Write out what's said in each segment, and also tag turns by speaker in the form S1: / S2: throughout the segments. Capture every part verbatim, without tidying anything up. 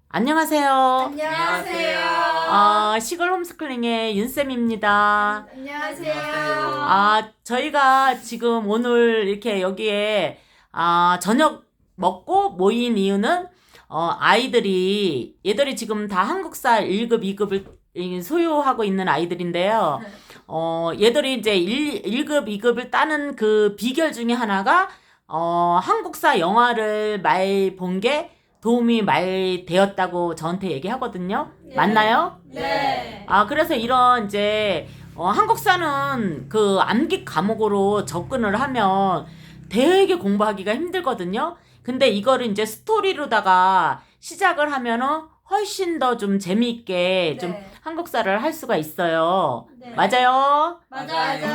S1: 안녕하세요.
S2: 안녕하세요.
S1: 아, 시골 홈스쿨링의 윤쌤입니다.
S2: 안녕하세요.
S1: 아, 저희가 지금 오늘 이렇게 여기에 아, 저녁 먹고 모인 이유는 어, 아이들이 얘들이 지금 다 한국사 일 급, 이 급을 소유하고 있는 아이들인데요. 어, 얘들이 이제 일, 일 급, 이 급을 따는 그 비결 중에 하나가 어, 한국사 영화를 많이 본 게 도움이 많이 되었다고 저한테 얘기하거든요.
S2: 네.
S1: 맞나요?
S2: 네.
S1: 아, 그래서 이런 이제 어, 한국사는 그 암기 과목으로 접근을 하면 되게 공부하기가 힘들거든요. 근데 이거를 이제 스토리로다가 시작을 하면은 훨씬 더 좀 재미있게 좀
S2: 네.
S1: 한국사를 할 수가 있어요.
S2: 네.
S1: 맞아요?
S2: 맞아요.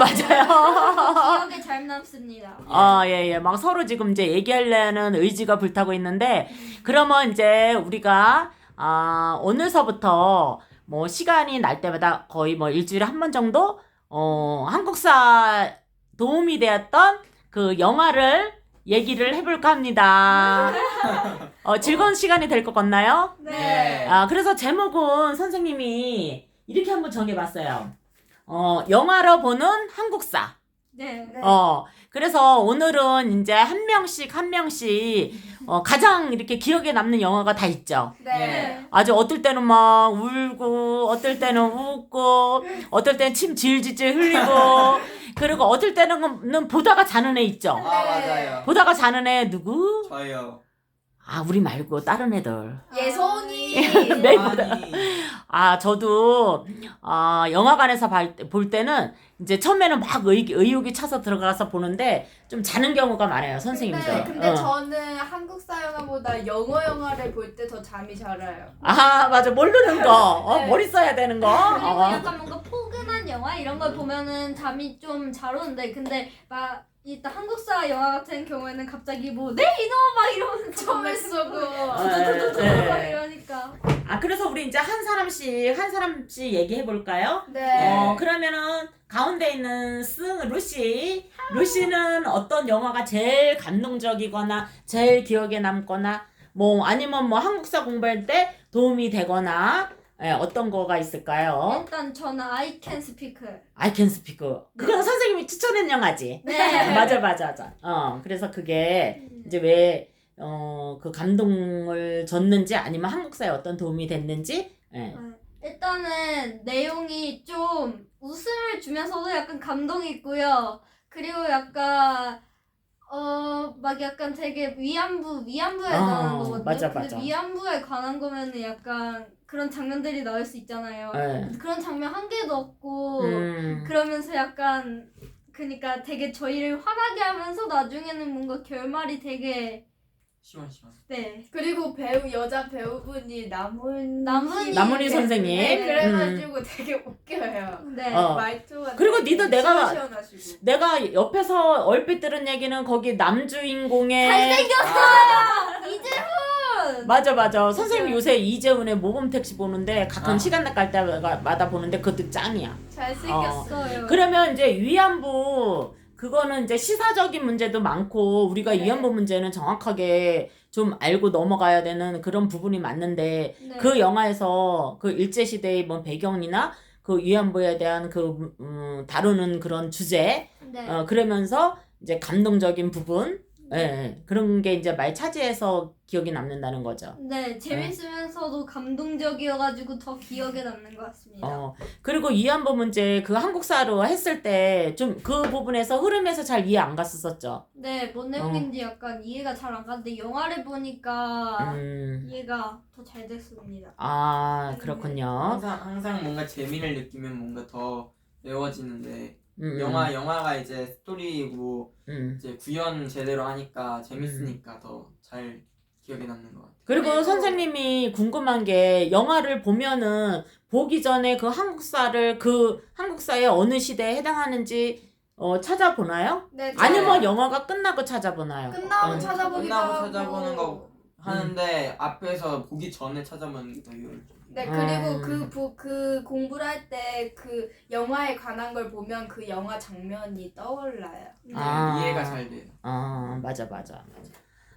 S1: 맞아요.
S2: 기억에 잘 남습니다.
S1: 아, 예, 예. 막 서로 지금 이제 얘기하려는 의지가 불타고 있는데, 그러면 이제 우리가, 아, 오늘서부터 뭐 시간이 날 때마다 거의 뭐 일주일에 한 번 정도, 어, 한국사 도움이 되었던 그 영화를 얘기를 해볼까 합니다. 어, 즐거운 시간이 될 것 같나요?
S2: 네.
S1: 아, 그래서 제목은 선생님이 이렇게 한번 정해봤어요. 어, 영화로 보는 한국사.
S2: 네.
S1: 어, 그래서 오늘은 이제 한 명씩 한 명씩 어, 가장 이렇게 기억에 남는 영화가 다 있죠.
S2: 네.
S1: 아주 어떨 때는 막 울고, 어떨 때는 웃고, 어떨 때는 침 질질질 흘리고, 그리고 어떨 때는 보다가 자는 애 있죠.
S3: 아 맞아요.
S1: 보다가 자는 애 누구?
S3: 저요.
S1: 아, 우리 말고 다른 애들.
S2: 예송이.
S1: 네.
S3: 아니.
S1: 아, 저도 아, 영화관에서 발- 볼 때는 이제 처음에는 막 의, 의욕이 차서 들어가서 보는데 좀 자는 경우가 많아요, 선생님들.
S4: 근데, 근데
S1: 어.
S4: 저는 한국사 영화보다 영어 영화를 볼 때 더 잠이 잘 와요.
S1: 아, 맞아. 모르는 거. 어,
S4: 네.
S1: 머리 써야 되는 거.
S2: 그리고
S1: 어.
S2: 약간 뭔가 포근한 영화 이런 걸 보면은 잠이 좀 잘 오는데 근데 막 일단 한국사 영화 같은 경우에는 갑자기 뭐 네 이놈 막 이러면서
S4: 처음에 쏘고.
S1: 네.
S2: 막 이러니까
S1: 아, 그래서 우리 이제 한 사람씩 한 사람씩 얘기해 볼까요?
S4: 네.
S1: 어, 그러면은 가운데 있는 승 루시. 루시는 어떤 영화가 제일 감동적이거나 제일 기억에 남거나 뭐 아니면 뭐 한국사 공부할 때 도움이 되거나 예, 어떤 거가 있을까요?
S2: 일단 저는 I Can Speak.
S1: I Can Speak. 그건 선생님이 추천한 영화지.
S2: 네.
S1: 맞아, 맞아, 맞아. 어, 그래서 그게 이제 왜, 어, 그 감동을 줬는지 아니면 한국사에 어떤 도움이 됐는지. 예.
S2: 일단은 내용이 좀 웃음을 주면서도 약간 감동이 있고요. 그리고 약간 어 막 약간 되게 위안부 위안부에
S1: 어,
S2: 관한 거거든요.
S1: 맞아,
S2: 근데
S1: 맞아.
S2: 위안부에 관한 거면은 약간 그런 장면들이 나올 수 있잖아요.
S1: 예.
S2: 그런 장면 한 개도 없고
S1: 음,
S2: 그러면서 약간 그니까 되게 저희를 화나게 하면서 나중에는 뭔가 결말이 되게
S3: 시원 시원.
S2: 네.
S4: 그리고 배우 여자 배우분이 남은
S2: 남은이
S1: 남은이 선생님.
S4: 네, 그래가지고 되게 웃겨요.
S2: 네.
S1: 어.
S4: 말투가
S1: 그리고
S4: 되게
S1: 니도 내가-
S4: 시원시원하시고.
S1: 내가 옆에서 얼핏 들은 얘기는 거기 남주인공의
S2: 잘생겼어요! 이재훈!
S1: 맞아, 맞아. 선생님 요새 이재훈의 모범 택시 보는데 가끔
S3: 아.
S1: 시간 날 때마다 보는데 그것도 짱이야.
S4: 잘생겼어.
S2: 있어요.
S1: 그러면 이제 위안부 그거는 이제 시사적인 문제도 많고 우리가
S4: 네.
S1: 위안부 문제는 정확하게 좀 알고 넘어가야 되는 그런 부분이 맞는데
S2: 네.
S1: 그 영화에서 그 일제 시대의 뭐 배경이나 그 위안부에 대한 그 음, 다루는 그런 주제
S2: 네.
S1: 어 그러면서 이제 감동적인 부분 예, 예, 그런 게 이제 많이 차지해서 기억이 남는다는 거죠.
S2: 네, 재밌으면서도 감동적이어가지고 더 기억에 남는 것 같습니다.
S1: 어, 그리고 위안부 문제 그 한국사로 했을 때 좀 그 부분에서 흐름에서 잘 이해 안 갔었었죠.
S2: 네, 뭔 내용인지 약간 이해가 잘 안 가는데 영화를 보니까
S1: 음,
S2: 이해가 더 잘 됐습니다.
S1: 아, 그렇군요.
S3: 항상 항상 뭔가 재미를 느끼면 뭔가 더 외워지는데
S1: 음,
S3: 영화 영화가 이제 스토리고
S1: 음.
S3: 이제 구현 제대로 하니까 재밌으니까 더 잘 기억에 남는 것 같아요.
S1: 그리고
S2: 그리고-
S1: 선생님이 궁금한 게 영화를 보면은 보기 전에 그 한국사를 그 한국사의 어느 시대에 해당하는지 어, 찾아보나요?
S4: 네,
S1: 아니면
S4: 저
S1: 영화가 끝나고 찾아보나요?
S4: 끝나고
S1: 음.
S4: 찾아보기도
S3: 끝나고
S4: 하고.
S3: 찾아보는 거 하는데 앞에서 보기 전에 찾아보는 게 더 효율적.
S4: 네, 그리고
S1: 음.
S4: 그, 부, 그 공부를 할 때 그 영화에 관한 걸 보면 그 영화 장면이 떠올라요.
S3: 네,
S1: 아.
S3: 이해가 잘 돼요.
S1: 아, 맞아, 맞아, 맞아.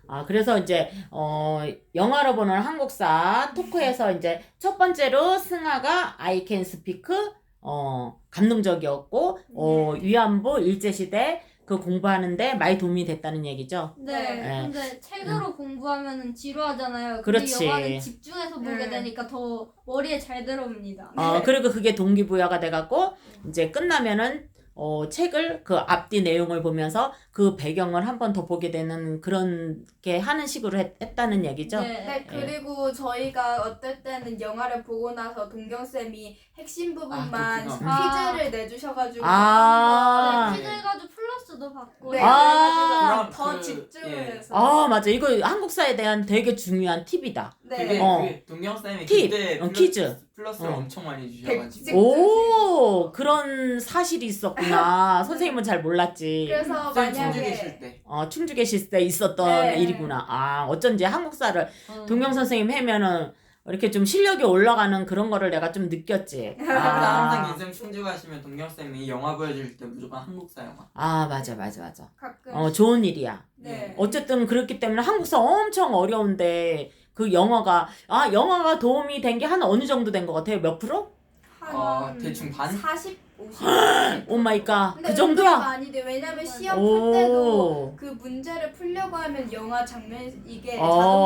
S1: 아, 그래서 이제, 어, 영화로 보는 한국사 토크에서 이제 첫 번째로 승아가 I can speak, 어, 감동적이었고, 어, 위안부, 일제시대 그 공부하는데 많이 도움이 됐다는 얘기죠.
S2: 네.
S1: 네.
S2: 근데 책으로 공부하면은 지루하잖아요. 근데
S1: 그렇지.
S2: 영화는 집중해서 보게
S4: 네.
S2: 되니까 더 머리에 잘 들어옵니다.
S1: 어, 그리고 그게 동기부여가 돼갖고, 이제 끝나면은, 어, 책을 그 앞뒤 내용을 보면서 그 배경을 한 번 더 보게 되는 그런 게 하는 식으로 했, 했다는 얘기죠.
S4: 네, 그리고 저희가 어떨 때는 영화를 보고 나서 동경쌤이 핵심 부분만
S3: 그렇구나.
S4: 퀴즈를 내주셔가지고
S1: 아.
S2: 네, 퀴즈 해가지고 플러스도 받고.
S4: 네,
S1: 아.
S4: 그래가지고 더
S3: 그,
S4: 집중을
S3: 예.
S4: 해서
S1: 아, 맞아. 이거 한국사에 대한 되게 중요한 팁이다.
S4: 네.
S3: 그게,
S1: 어.
S3: 그게 동경쌤이
S1: 팁,
S3: 그때
S1: 어,
S3: 플러스,
S1: 퀴즈.
S3: 플러스를
S1: 어.
S3: 엄청 많이
S4: 백-
S3: 주셔가지고
S1: 오, 그런 사실이 있었구나. 선생님은 잘 몰랐지.
S4: 그래서
S3: 쌤 충주
S4: 만약에
S3: 계실 때
S1: 어, 충주 계실 때 있었던
S4: 네.
S1: 일이구나. 아, 어쩐지 한국사를
S2: 어.
S1: 동경 선생님 하면은 이렇게 좀 실력이 올라가는 그런 거를 내가 좀 느꼈지.
S3: 그래서 항상
S1: 아,
S3: 인생 충주 가시면 동경쌤이 영화 보여줄 때 무조건 한국사 영화
S1: 아, 맞아, 맞아, 맞아.
S4: 가끔
S1: 어, 좋은 일이야.
S4: 네.
S1: 어쨌든 그렇기 때문에 한국사 엄청 어려운데 그 영어가, 아, 영어가 도움이 된 게 한 어느 정도 된 것 같아요? 몇 프로?
S4: 한
S3: 어, 대충 반?
S4: 사십, 오십.
S1: 오 마이 갓.
S4: 근데
S1: 그 정도야?
S4: 많이 돼. 왜냐면 시험 풀 때도
S1: 오.
S4: 그 문제를 풀려고 하면 영화 장면 이게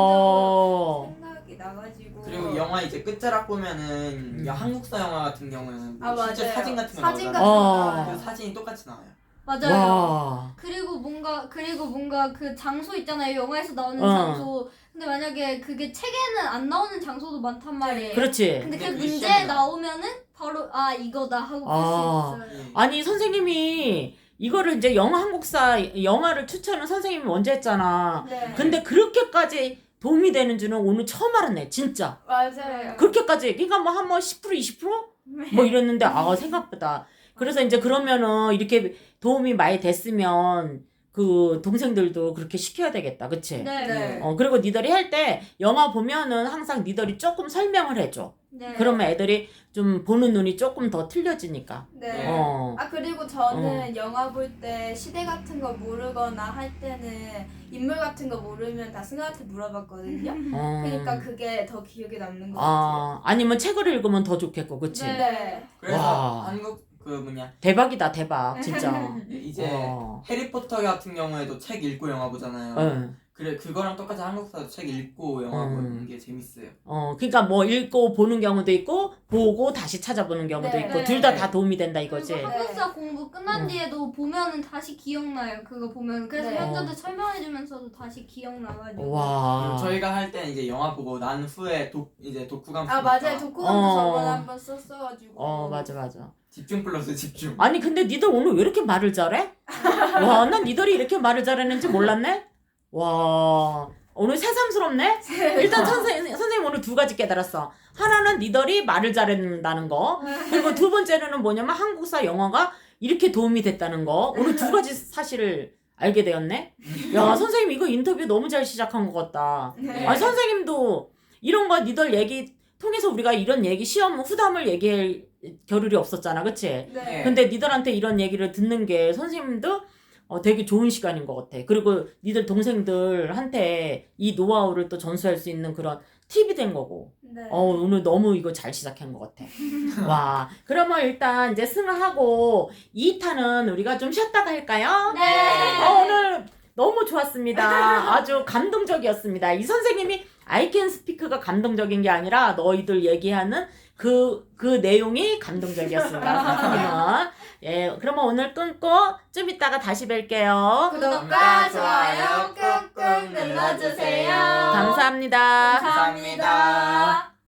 S1: 어.
S4: 자동적으로 생각이 나가지고
S3: 그리고 영화 이제 끝자락 보면은
S1: 음.
S3: 한국사 영화 같은 경우는 뭐
S4: 아,
S3: 실제
S4: 맞아요.
S3: 사진 같은 거
S4: 사진
S3: 나오잖아요.
S1: 어.
S3: 그 사진이 똑같이 나와요.
S2: 맞아요.
S1: 와.
S2: 그리고 뭔가 그리고 뭔가 그 장소 있잖아요. 영화에서 나오는
S1: 어.
S2: 장소. 근데 만약에 그게 책에는 안 나오는 장소도 많단 말이에요.
S1: 그렇지.
S2: 근데 그
S3: 근데 그게
S2: 문제에
S3: 시험에
S2: 나오면은 바로 아 이거다 하고
S1: 아.
S2: 풀 수 있어요.
S3: 예.
S1: 아니, 선생님이 이거를 이제 영어 한국사 영화를 추천을 선생님이 먼저 했잖아.
S4: 네.
S1: 근데 그렇게까지 도움이 되는 줄은 오늘 처음 알았네, 진짜.
S4: 맞아요.
S1: 그렇게까지, 그러니까 뭐 한 뭐 십 퍼센트, 이십 퍼센트? 뭐 이랬는데, 아, 생각보다. 그래서 이제 그러면은 이렇게 도움이 많이 됐으면 그 동생들도 그렇게 시켜야 되겠다, 그치?
S2: 네.
S4: 네.
S1: 어, 그리고 니들이 할 때 영화 보면은 항상 니들이 조금 설명을 해줘.
S2: 네.
S1: 그러면 애들이 좀 보는 눈이 조금 더 틀려지니까.
S4: 네.
S1: 어.
S4: 아 그리고 저는 영화 볼 때 시대 같은 거 모르거나 할 때는 인물 같은 거 모르면 다 승아한테 물어봤거든요.
S1: 어.
S4: 그러니까 그게 더 기억에 남는 것 같아요.
S1: 아, 아니면 책을 읽으면 더 좋겠고, 그치?
S2: 네.
S4: 네.
S3: 그래서
S1: 와.
S3: 한국 그 뭐냐
S1: 대박이다, 대박, 진짜.
S3: 이제
S1: 와.
S3: 해리포터 같은 경우에도 책 읽고 영화 보잖아요.
S1: 응.
S3: 그래 그거랑 똑같이 한국사도 책 읽고 영화
S1: 음.
S3: 보는 게 재밌어요.
S1: 어, 그러니까 뭐 읽고 보는 경우도 있고, 보고 다시 찾아보는 경우도
S4: 네.
S1: 있고,
S2: 네.
S1: 둘 다 다 도움이 된다 이거지.
S2: 그리고 한국사 공부 끝난
S1: 어.
S2: 뒤에도 보면은 다시 기억나요. 그거 보면 그래서
S4: 네.
S2: 현자들 설명해주면서도 다시 기억나가지고.
S1: 와.
S3: 그리고 저희가 할 때는 이제 영화 보고 난 후에 독 이제 독후감
S4: 아 맞아요. 독후감도
S1: 어.
S4: 저번에 한번 썼어가지고.
S1: 어, 맞아, 맞아.
S3: 집중 플러스 집중.
S1: 아니, 근데 니들 오늘 왜 이렇게 말을 잘해? 와, 난 니들이 이렇게 말을 잘했는지 몰랐네? 와, 오늘 새삼스럽네? 일단 선생님, 선생님 오늘 두 가지 깨달았어. 하나는 니들이 말을 잘했다는 거. 그리고 두 번째는 뭐냐면 한국사 영어가 이렇게 도움이 됐다는 거. 오늘 두 가지 사실을 알게 되었네? 야, 선생님 이거 인터뷰 너무 잘 시작한 것 같다.
S4: 네.
S1: 아니, 선생님도 이런 거 니들 얘기 통해서 우리가 이런 얘기, 시험 후담을 얘기할 겨를이 없었잖아. 그치?
S4: 네.
S1: 근데 니들한테 이런 얘기를 듣는 게 선생님도 어, 되게 좋은 시간인 것 같아. 그리고 니들 동생들한테 이 노하우를 또 전수할 수 있는 그런 팁이 된 거고.
S4: 네.
S1: 어, 오늘 너무 이거 잘 시작한 것 같아. 와, 그러면 일단 이제 승하하고 이 탄은 우리가 좀 쉬었다가 할까요?
S2: 네.
S1: 어, 오늘 너무 좋았습니다. 아주 감동적이었습니다. 이 선생님이 I can speak가 감동적인 게 아니라 너희들 얘기하는 그, 그 내용이 감동적이었습니다. 선생님은. 예, 그러면 오늘 끊고 좀 이따가 다시 뵐게요.
S4: 구독과 좋아요 꾹꾹 눌러주세요.
S1: 감사합니다.
S4: 감사합니다.